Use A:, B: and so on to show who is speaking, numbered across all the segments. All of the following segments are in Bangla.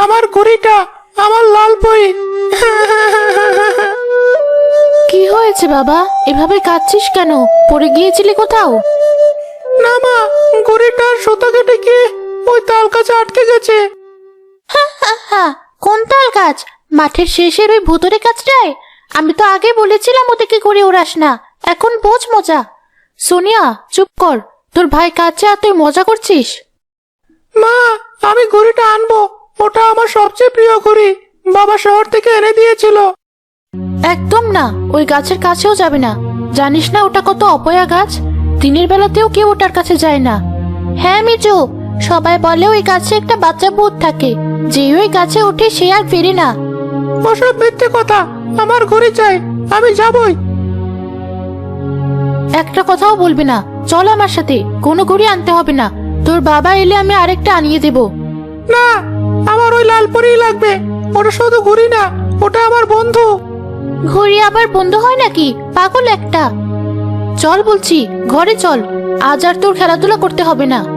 A: আমার ঘড়িটা, আমার লাল বই।
B: কি হয়েছে বাবা, এভাবে কাঁদছিস কেন? পড়ে গিয়েছিলি কোথাও?
A: না মা, ঘড়িটার সুতা কেটে গিয়ে ওই তাল গাছে আটকে গেছে।
B: হ্যাঁ, কোন তাল গাছ? মাঠের শেষের ওই ভুতুরে গাছটায়? আমি তো আগে বলেছিলাম ওদিকে করে উড়াস না। এখন বোঝ মজা। সোনিয়া, চুপ কর। তোর ভাই কাঁদছে আর তুই মজা করছিস?
A: মা, আমি ঘড়িটা আনবো, ওটা আমার সবচেয়ে প্রিয় ঘড়ি। বাবা শহর থেকে এনে দিয়েছিল।
B: একদম না, ওই গাছের কাছেও যাবে না। জানিস না ওটা কত অপয়া গাছ? দিনের বেলাতেও কেউ ওটার কাছে যায় না। হ্যাঁ মিজু, সবাই বলে ওই গাছে একটা বাচ্চা ভূত থাকে, যে ওই গাছে ওঠে সে আর ফেরে না।
A: ওসব মিথ্যে কথা, আমার ঘড়ি চাই, আমি যাবই।
B: একটা কথাও বলবি না। চল আমার সাথে, কোনো ঘড়ি আনতে হবে না। তোর বাবা এলে আমি আরেকটা আনিয়ে দেব।
A: না, আমার ওই লাল পরিই লাগবে। ওটা শুধু ঘড়ি না, ওটা আমার বন্ধু।
B: ঘড়ি আবার বন্ধ হয় নাকি? পাগল একটা। চল বলছি, ঘরে চল। আজ আর তোর খেলাধুলা করতে হবে না।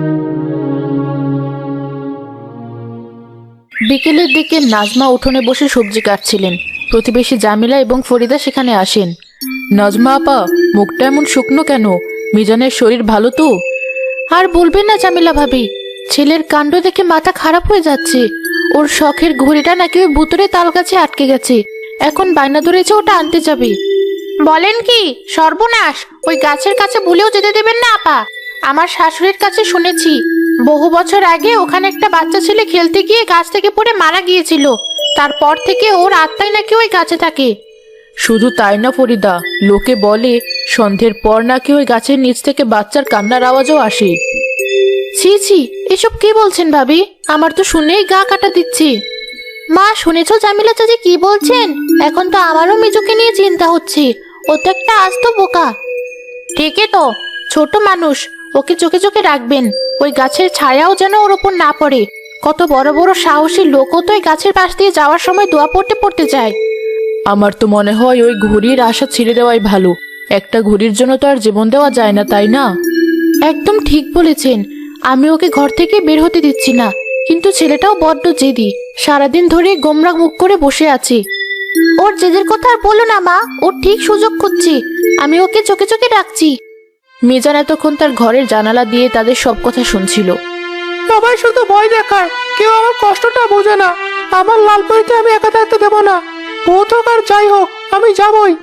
B: বিকেলের দিকে নাজমা উঠোনে বসে সবজি কাটছিলেন। প্রতিবেশী জামিলা এবং ফরিদা সেখানে আসেন। নাজমা আপা, মুখটা এমন শুকনো কেন? মিজানের শরীর ভালো তো? আর বলবেন না জামিলা ভাবি, ছেলের কাণ্ড দেখে মাথা খারাপ হয়ে যাচ্ছে। ওর শখের ঘড়িটা নাকি ওই ভুতুরে তাল গাছে আটকে গেছে। এখন বায়না ধরেছে ওটা আনতে যাবে। বলেন কি? সর্বনাশ! ওই গাছের কাছে ভুলেও যেতে দেবেন না আপা। আমার শাশুড়ির কাছে শুনেছি, বহু বছর আগে ওখানে একটা বাচ্চা ছেলে খেলতে গিয়ে গাছ থেকে পড়ে মারা গিয়েছিল। তারপর থেকে ওর আত্মাই নাকি ওই গাছে থাকে। শুধু তাই না ফরিদা, লোকে বলে সন্ধ্যের পর নাকি ওই গাছের নিচ থেকে বাচ্চার কান্নার আওয়াজও আসে। ছি ছি, এসব কি বলছেন ভাবি? আমার তো শুনেই গা কাটা দিচ্ছে। মা, শুনেছো জামিলা চাচি কি বলছেন? এখন তো আমারও মিজুকে নিয়ে চিন্তা হচ্ছে। ও তো একটা আস্ত বোকা। ঠিকই তো, ছোট মানুষ, ওকে চোখে চোখে রাখবেন। ওই গাছের ছায়াও যেন ওর ওপর না পড়ে। কত বড় বড় সাহসী লোকও তো ওই গাছের পাশ দিয়ে যাওয়ার সময় দোয়া পড়তে পড়তে যায়। আমার তো মনে হয় ওই ঘড়ির আশা ছেড়ে দেওয়াই ভালো। একটা ঘড়ির জন্য তো আর জীবন দেওয়া যায় না, তাই না? একদম ঠিক বলেছেন। আমি ওকে ঘর থেকে বের হতে দিচ্ছি না, কিন্তু ছেলেটাও বড্ড জেদি। সারাদিন ধরে গোমরা মুখ করে বসে আছে। ওর জেদের কথা আর বলো না মা, ও ঠিক সুযোগ খুঁজছে। আমি ওকে চোখে চোখে রাখছি। মিজান এতক্ষণ তার ঘরের জানালা দিয়ে তাদের সব কথা শুনছিল।
A: সবাই শুধু ভয় দেখায়, কেউ আমার কষ্টটা বোঝে না। আমার লাল পরিতে আমি একা থাকতে দেবো না। ভূত হোক আর যাই হোক, আমি যাবই।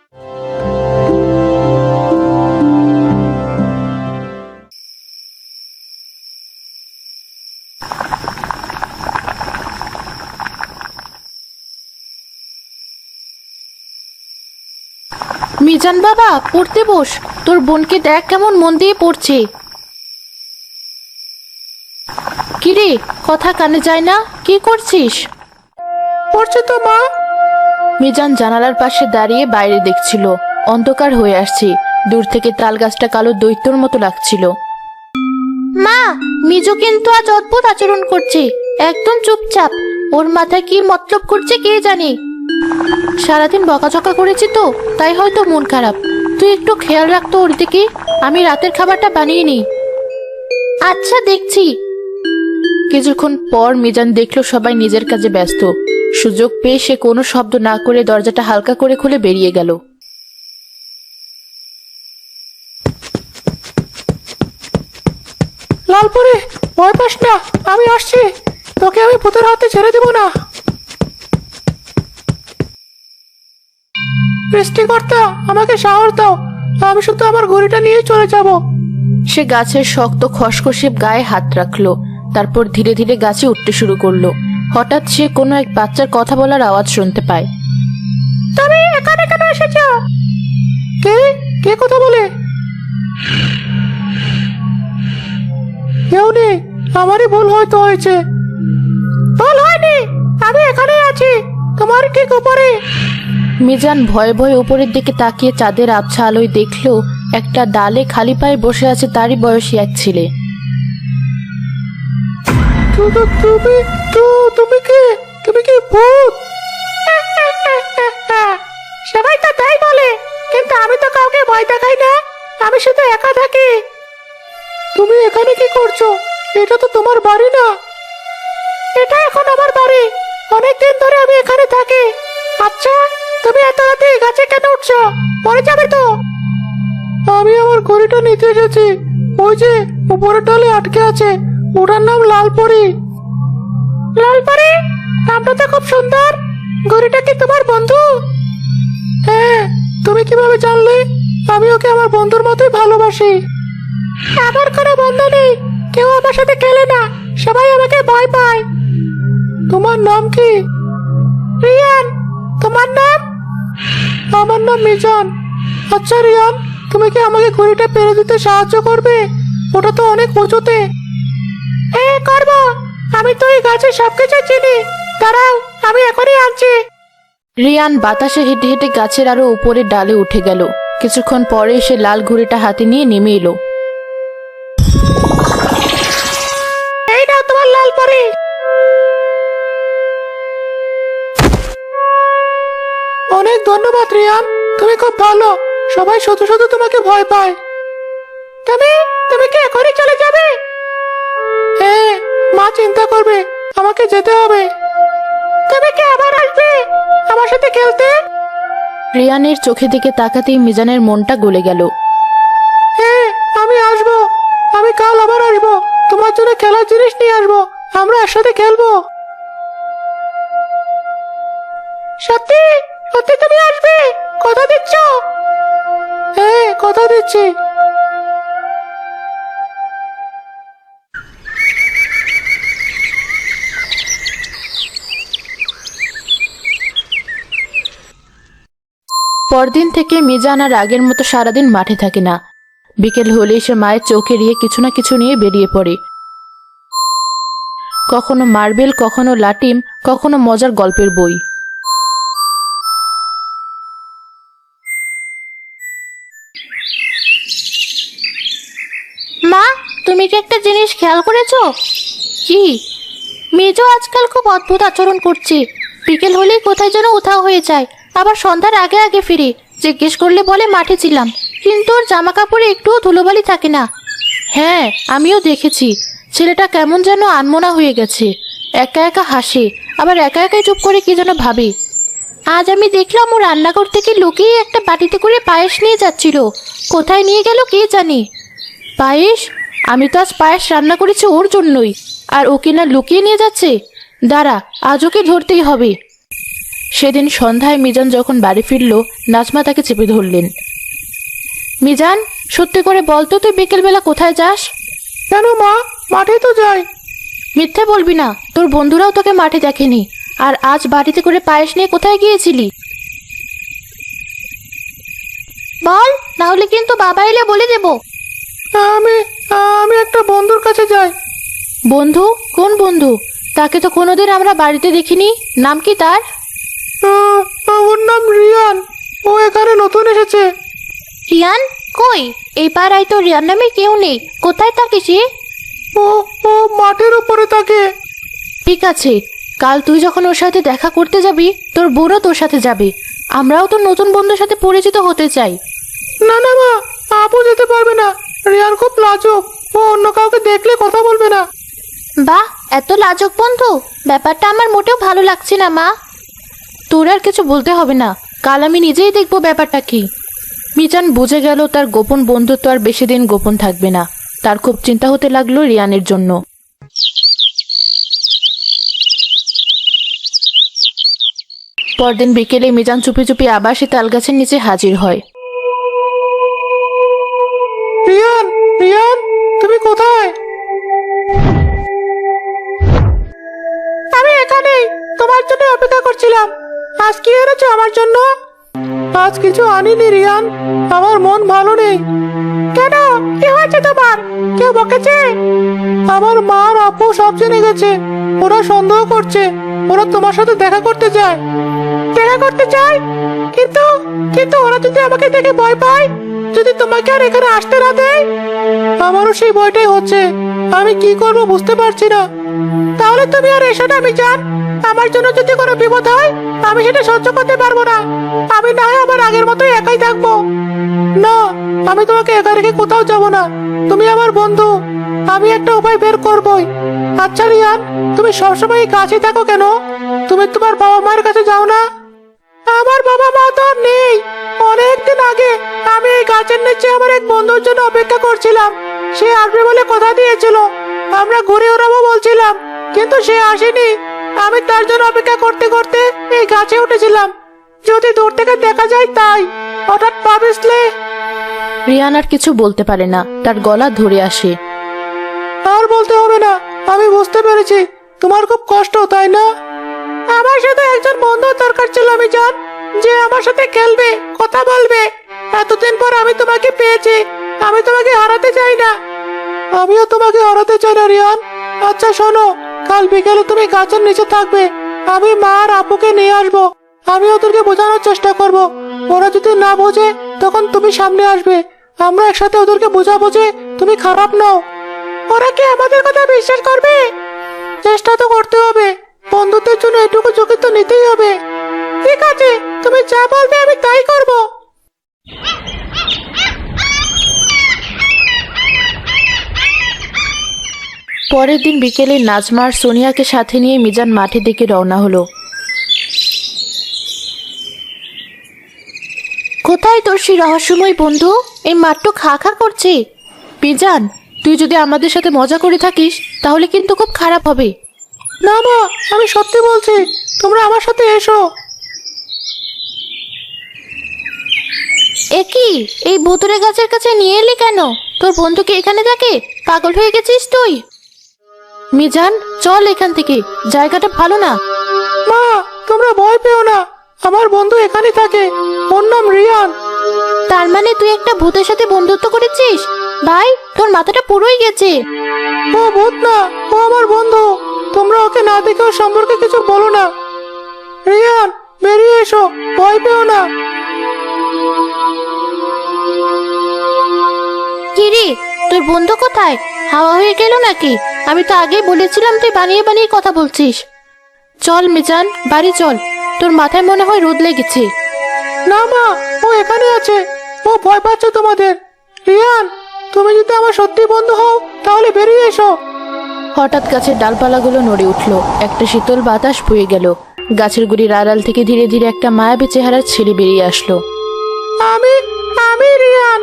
B: মিজান বাবা, পড়তে বস। তোর বোনকে দেখ কেমন মন দিয়ে পড়ছে। কিরে, কথা কানে যায় না? কি করছিস?
A: পড়ছে তো মা।
B: মিজান জানালার পাশে দাঁড়িয়ে বাইরে দেখছিল। অন্ধকার হয়ে আসছে। দূর থেকে তাল গাছটা কালো দৈত্যর মতো লাগছিল। মা, মিজু কিন্তু আজ অদ্ভুত আচরণ করছে। একদম চুপচাপ। ওর মাথায় কি মতলব করছে কে জানে। সারাদিন বকাঝকা করেছি তো, তাই হয়তো মন খারাপ। তুই একটু খেয়াল রাখতো ওর দিকে। আমি রাতের খাবারটা বানিয়ে নিই। আচ্ছা, দেখছি। কিছুক্ষণ পর মিজান দেখলো সবাই নিজের কাজে ব্যস্ত। সুযোগ পেয়ে সে কোনো শব্দ না করে দরজাটা হালকা করে খুলে বেরিয়ে গেল।
A: লাল পরি, ভয় পাস না, আমি আসছি। তোকে আমি ভূতের হাতে ছেড়ে দেবো না। সৃষ্টিকর্তা, আমাকে সাহস দাও। আমি শুধু আমার ঘড়িটা নিয়ে চলে যাব।
B: সে গাছের শক্ত খসখসে গায়ে হাত রাখলো। তারপর ধীরে ধীরে গাছে উঠতে শুরু করলো। হঠাৎ সে কোনো এক বাচ্চার কথা বলার আওয়াজ শুনতে পায়।
A: তুমি এখানে কেন এসেছ? কে কে কথা বলে? কেউ নেই, আমারই ভুল হয়তো হয়েছে। ভুল হয়নি, আমি এখানে আছি, তোমার ঠিক উপরে।
B: মিজান ভয়ে ভয়ে উপরের দিকে তাকিয়ে চাঁদের আবছা আলোয় দেখলো একটা ডালে খালি পায়ে বসে আছে তারই বয়সী এক ছেলে।
A: তুমি তুমি কি? তুমি কি ভূত? সবাই তো তাই বলে, কিন্তু আমি তো কাউকে ভয় দেখাই না। আমি শুধু একা থাকি। তুমি এখানে কি করছো? এটা তো তোমার বাড়ি না। এটা এখন আমার বাড়ি। অনেকদিন ধরে আমি এখানে থাকি। আচ্ছা, তুমি এত রাতে এই গাছে কেন উঠছো? পরে যাবে তো। আমি আমার ঘড়িটা নিতে এসেছি। ওই যে উপরের ডালে আটকে আছে, ওটার নাম লালপরি। লালপরি? নামটা তো খুব সুন্দর। ঘড়িটা কি তোমার বন্ধু? হ্যাঁ। তুমি কিভাবে জানলে? আমি ওকে আমার বন্ধুর মতোই ভালোবাসি। আমার কোনো বন্ধু নেই, কেউ আমার সাথে খেলে না, সবাই আমাকে ভয় পায়। তোমার নাম কি? রিয়ান। তোমার নাম? আমার নাম মিজান। আচ্ছা রিয়ান, তুমি কি আমাকে ঘড়িটা পেরে দিতে সাহায্য করবে? ওটা তো অনেক উঁচুতে। হ্যাঁ করবো। আমি তো এই গাছের সবকিছু চিনি। দাঁড়াও, আমি এখনই আনছি।
B: রিয়ান বাতাসে হেঁটে হেঁটে গাছের আরো উপরের ডালে উঠে গেল। কিছুক্ষণ পরে সে লাল ঘুড়িটা হাতে নিয়ে নেমে এলো।
A: এই নাও তোমার লাল পরি। অনেক ধন্যবাদ রিয়ান, তুমি খুব ভালো। সবাই শুধু শুধু তোমাকে ভয় পায়। তুমি তুমি কি এখনই চলে যাবে? হ্যাঁ, মা চিন্তা করবে, আমাকে যেতে হবে। তুমি কি আবার আসবে আমার সাথে খেলতে?
B: রিয়ানের চোখের দিকে তাকাতেই মিজানের মনটা গলে গেল।
A: হ্যাঁ, আমি আসবো। আমি কাল আবার আসবো, তোমার জন্য খেলার জিনিস নিয়ে আসবো। আমরা একসাথে খেলবো। সত্যি সত্যি তুমি আসবে? কথা দিচ্ছ? হ্যাঁ, কথা দিচ্ছি।
B: পরদিন থেকে মিজান আর আগের মতো সারাদিন মাঠে থাকে না। বিকেল হলেই সে মায়ের চোখ এড়িয়ে কিছু না কিছু নিয়ে বেরিয়ে পড়ে। কখনো মার্বেল, কখনো লাটিম, কখনো মজার গল্পের বই।
C: মা, তুমি কি একটা জিনিস খেয়াল করেছো?
B: কি?
C: মেজো আজকাল খুব অদ্ভুত আচরণ করছে। বিকেল হলেই কোথায় যেন উধাও হয়ে যায়, আবার সন্ধ্যার আগে আগে ফিরে। জিজ্ঞেস করলে বলে মাঠে ছিলাম, কিন্তু ওর জামা কাপড়ে একটুও ধুলোবালি থাকে না।
B: হ্যাঁ, আমিও দেখেছি। ছেলেটা কেমন যেন আনমনা হয়ে গেছে। একা একা হাসে, আবার একা একাই চুপ করে কি যেন ভাবে।
C: আজ আমি দেখলাম ও রান্নাঘর থেকে লুকিয়ে একটা বাটিতে করে পায়েস নিয়ে যাচ্ছিল। কোথায় নিয়ে গেল কে জানে।
B: পায়েস? আমি তো আজ পায়েস রান্না করেছি ওর জন্যই, আর ও কিনা লুকিয়ে নিয়ে যাচ্ছে। দাঁড়া, আজ ওকে ধরতেই হবে। সেদিন সন্ধ্যায় মিজান যখন বাড়ি ফিরল, নাজমা তাকে চেপে ধরলেন। মিজান, সত্যি করে বল তো, তুই বিকেলবেলা কোথায় যাস?
A: কেন মা, মাঠে তো যাই।
B: মিথ্যে বলবি না, তোর বন্ধুরাও তোকে মাঠে দেখেনি। আর আজ বাড়িতে করে পায়েস নিয়ে কোথায় গিয়েছিলি?
C: বল, না হলে কিন্তু বাবা এলে বলে দেবো।
A: আমি আমি একটা বন্ধুর কাছে যাই।
B: বন্ধু? কোন বন্ধু? তাকে তো কোনোদিন আমরা বাড়িতে দেখিনি। নাম কি তার?
A: ওর নাম রিয়ান। ও এখানে নতুন এসেছে।
C: রিয়ান? কই, এই পাড়ায় তো রিয়ান নামে কেউ নেই। কোথায় থাকে সে?
A: ও ও মাঠের উপরে থাকে।
B: ঠিক আছে, কাল তুই যখন ওর সাথে দেখা করতে যাবি, তোর বোনও তোর সাথে যাবে। আমরাও তো নতুন বন্ধুর সাথে পরিচিত হতে চাই।
A: না না মা, আপু যেতে পারবে না। রিয়ান খুব লাজুক, ও অন্য কাউকে দেখলে কথা বলবে না।
C: বাহ, এত লাজুক বন্ধু? ব্যাপারটা আমার মোটেও ভালো লাগছে না মা।
B: তোর আর কিছু বলতে হবে না, কাল আমি নিজেই দেখবো ব্যাপারটা কি। মিজান বুঝে গেল তার গোপন বন্ধুত্ব আর বেশি দিন গোপন থাকবে না। তার খুব চিন্তা হতে লাগলো রিয়ানের জন্য। পরদিন বিকেলে মিজান চুপি চুপি আবার সে তালগাছের নিচে হাজির হয়।
A: রিয়ান, রিয়ান, তুমি কোথায়? আমি এখানে তোমার জন্য অপেক্ষা করছিলাম। আজ কি এনেছো আমার জন্য? আজ কিছু আনিনি রিয়ান, আমার মন ভালো নেই। কেন, কি হয়েছে তোমার? কেউ বকেছে? আমার মা আর আপু সব জেনে গেছে। ওরা সন্দেহ করছে, ওরা তোমার সাথে দেখা করতে চায়। দেখা করতে চায়? কিন্তু কিন্তু ওরা যদি আমাকে দেখে ভয় পায়, যদি তোমাকে আর এখানে আসতে না দেয়? আমারও সেই ভয়টাই হচ্ছে। আমি কি করব বুঝতে পারছি না। তাহলে তুমি আর এসো না মিজান, আমার জন্য যদি কোনো বিপদ হয় আমি সেটা সহ্য করতে পারবো না। আমি না হয় আমার আগের মতোই একাই থাকবো। না, আমি তোমাকে একা রেখে কোথাও যাব না। তুমি আমার বন্ধু, আমি একটা উপায় বের করবই। আচ্ছা রিয়ান, তুমি সবসময় এই কাছে থাকো কেন? তুমি তোমার বাবা মায়ের কাছে যাও না? আমার বাবা মা তো আর নেই। অনেকদিন আগে আমি এই গাছের নিচে আমার এক বন্ধুর জন্য অপেক্ষা করছিলাম। সে আসবে বলে কথা দিয়েছিল, আমরা ঘুরে ওড়াবো বলছিলাম, কিন্তু সে আসেনি। আমি তার জন্য অপেক্ষা করতে করতে এই গাছে উঠেছিলাম, যদি দূর থেকে দেখা যায় তাই। হঠাৎ পা পিছলে।
B: রিয়ান আর কিছু বলতে পারে না, তার গলা ধরে আসে।
A: আর বলতে হবে না, আমি বুঝতে পেরেছি তোমার খুব কষ্ট, তাই না? আমার সাথে একজন বন্ধু দরকার ছিল, আমি জান, যে আমার সাথে খেলবে, কথা বলবে। এতদিন পর আমি তোমাকে পেয়েছি, আমি তোমাকে হারাতে চাই না। আমিও তোমাকে হারাতে চাই না রিয়ান। আচ্ছা শোনো, কাল বিকেলে তুমি গাছের নিচে থাকবে, আমি মা আর আপুকে নিয়ে আসবো। আমি ওদেরকে বোঝানোর চেষ্টা করব। ওরা যদি না বোঝে তখন তুমি সামনে আসবে, আমরা একসাথে ওদেরকে বোঝাবো যে তুমি খারাপ নও। ওরা কি আমাদের কথা বিশ্বাস করবে? চেষ্টা তো করতে হবে, বন্ধুদের জন্য এটুকু ঝুঁকি তো নিতেই হবে। ঠিক আছে, তুমি যা বলবে আমি তাই করব।
B: পরের দিন বিকেলে নাজমা আর সোনিয়াকে সাথে নিয়ে মিজান মাঠের দিকে রওনা হলো।
C: কোথায় তোর সেই রহস্যময় বন্ধু? এই মাঠটা খা খা করছে।
B: মিজান, তুই যদি আমাদের সাথে মজা করে থাকিস তাহলে কিন্তু খুব খারাপ হবে।
A: না মা, আমি সত্যি বলছি, তোমরা আমার সাথে এসো।
C: এ কি, এই ভুতুরে গাছের কাছে নিয়ে এলি কেন? তোর বন্ধু কি এখানে থাকে? পাগল হয়ে গেছিস তুই?
B: মিজান, চল এখান থেকে, জায়গাটা ভালো না।
A: মা, তোমরা ভয় পেও না, আমার বন্ধু এখানে থাকে, ওর নাম রিয়ান।
C: তার মানে তুই একটা ভূতের সাথে বন্ধুত্ব করেছিস? ভাই, তোর মাথাটা পুরোই গেছে।
A: ও ভূত না, ও আমার বন্ধু। তোমরা ওকে না দেখে ওর সম্পর্কে কিছু বলো না। রিয়ান, বেরিয়ে এসো, ভয় পেও না।
C: কিরে, তোর বন্ধু কোথায়? হাওয়া হয়ে গেল নাকি? আমি তো আগেই বলেছিলাম তুই বানিয়ে বানিয়ে কথা বলছিস।
B: চল মিজান, বাড়ি চল, তোর মাথায় মনে হয় রোদ লেগেছে।
A: না মা, ও এখানে আছে, ও ভয় পাচ্ছে তোমাদের। রিয়ান, তুমি যদি আমার সত্যি বন্ধু হও তাহলে বেরিয়ে এসো।
B: হঠাৎ গাছের ডালপালাগুলো নড়ে উঠল, একটা শীতল বাতাস বয়ে গেল। গাছের গুড়ির আড়াল থেকে ধীরে ধীরে একটা মায়াবী চেহারার ছেলে বেরিয়ে আসলো।
A: আমি আমি রিয়ান।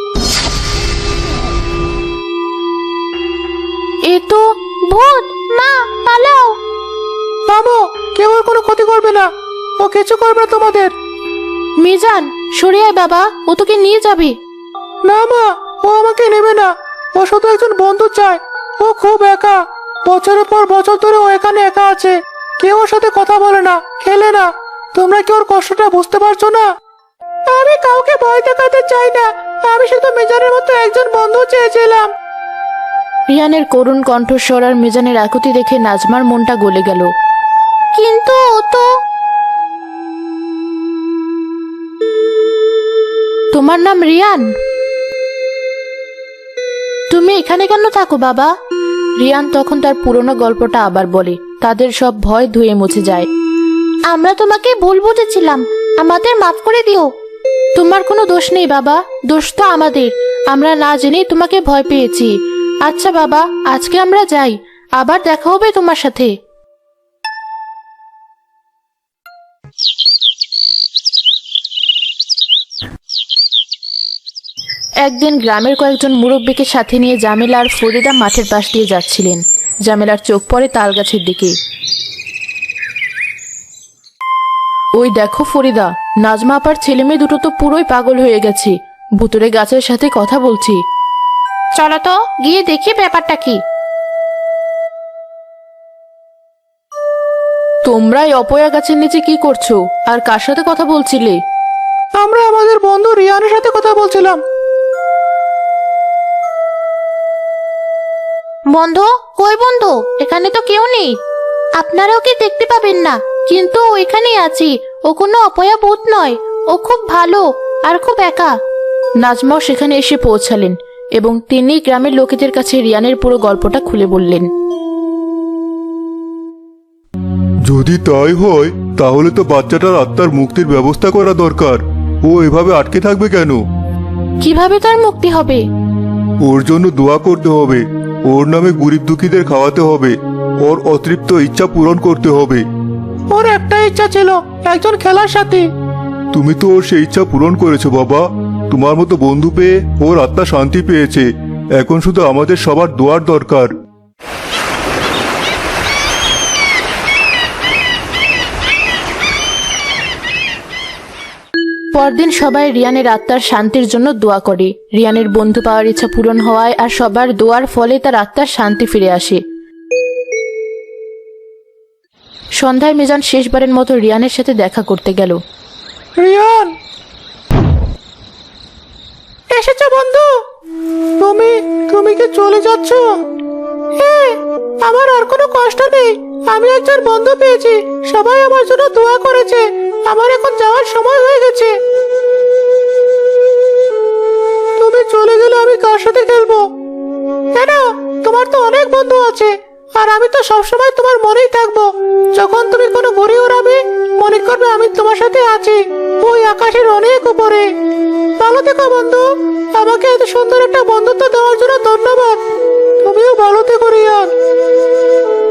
B: এ তো
C: ভূত! মা, পালাও!
A: থামো, কেউ ওর কোনো ক্ষতি করবে না, ও কিছু করবে না তোমাদের।
B: মিজান, সরে আয় বাবা, ও তোকে নিয়ে যাবে।
A: না মা, ও আমাকে নেবে না, ও শুধু একজন বন্ধু চায়। ও খুব একা, বছরের পর বছর ধরে ও এখানে একা আছে, কেউ ওর সাথে কথা বলে না, খেলে না। তোমরা কি ওর কষ্টটা বুঝতে পারছো না? আমি কাউকে ভয় দেখাতে চাই না, আমি শুধু মিজানের মতো একজন বন্ধু চেয়েছিলাম।
B: রিয়ানের করুণ কণ্ঠস্বর আর মিজানের আকুতি দেখে নাজমার মনটা গলে গেল।
C: কিন্তু ও তো...
B: তোমার নাম রিয়ান? তুমি এখানে কেন থাকো বাবা? রিয়ান তখন তার পুরনো গল্পটা আবার বলে। তাদের সব ভয় ধুয়ে মুছে যায়।
C: আমরা তোমাকে ভুল বুঝেছিলাম, আমাদের মাফ করে দিও।
B: তোমার কোনো দোষ নেই বাবা, দোষ তো আমাদের, আমরা না জেনেই তোমাকে ভয় পেয়েছি। আচ্ছা বাবা, আজকে আমরা যাই, আবার দেখা হবে তোমার সাথে। একদিন গ্রামের কয়েকজন মুরব্বীকে সাথে নিয়ে জামিলা আর ফরিদা মাঠের পাশ দিয়ে যাচ্ছিলেন। জামিলার চোখ পড়ে তাল গাছের দিকে। ওই দেখো ফরিদা, নাজমা আপার ছেলে মেয়ে দুটো তো পুরোই পাগল হয়ে গেছে, ভুতুরে গাছের সাথে কথা বলছি।
C: চলো তো গিয়ে দেখি ব্যাপারটা কি।
B: তোমরা এই অপয়া গাছের নিচে কি করছো আর কার সাথে কথা বলছিলে?
A: আমরা আমাদের বন্ধু রিয়ানের সাথে কথা বলছিলাম।
C: বন্ধু? কই বন্ধু? এখানে তো কেউ নেই। আপনারা ওকে দেখতে পাবেন না, কিন্তু ও এখানেই আছে। ও কোনো অপয়া ভূত নয়, ও খুব ভালো আর খুব একা।
B: নাজমাও সেখানে এসে পৌঁছালেন এবং তিনি গ্রামের লোকেদের কাছে রিয়ানের পুরো গল্পটা খুলে বললেন।
D: যদি তাই হয় তাহলে তো বাচ্চাটার আত্মার মুক্তির ব্যবস্থা করা দরকার। ও এভাবে আটকে থাকবে কেন?
B: কিভাবে তার মুক্তি হবে?
D: ওর জন্য দোয়া করতে হবে, ওর নামে গরিব দুঃখীদের খাওয়াতে হবে, ওর অতৃপ্ত ইচ্ছা পূরণ করতে হবে।
A: ওর একটা ইচ্ছা ছিল, একজন খেলার সাথী।
D: তুমি তো ওর সেই ইচ্ছা পূরণ করেছো বাবা। তোমার মতো বন্ধু পেয়ে ওর আত্মা শান্তি পেয়েছে। এখন শুধু আমাদের সবার দোয়ার দরকার।
B: পরদিন সবাই রিয়ানের আত্মার শান্তির জন্য দোয়া করে। রিয়ানের বন্ধু পাওয়ার ইচ্ছা পূরণ হওয়ায় আর সবার দোয়ার ফলে তার আত্মার শান্তি ফিরে আসে। সন্ধ্যায় মিজান শেষবারের মতো রিয়ানের সাথে দেখা করতে গেল।
A: রিয়ান, এসেছো বন্ধু? তুমি তুমি কি চলে যাচ্ছ? হ্যাঁ, আমার আর কোনো কষ্ট নেই। আমি একজন বন্ধু পেয়েছি, সবাই আমার জন্য দোয়া করেছে। আমার এখন যাওয়ার সময় হয়ে গেছে। তুমি চলে গেলে আমি কার সাথে খেলবো? কেন, তোমার তো অনেক বন্ধু আছে, আর আমি তো সবসময় তোমার মনেই থাকবো। যখন তুমি কোনো ঘুড়ি উড়াবে, মনে করবে আমি তোমার সাথে আছি, ওই আকাশের অনেক উপরে। ভালো থেকো বন্ধু। আমাকে এত সুন্দর একটা বন্ধুত্ব দেওয়ার জন্য ধন্যবাদ। তুমিও ভালো থেকো রিয়ান।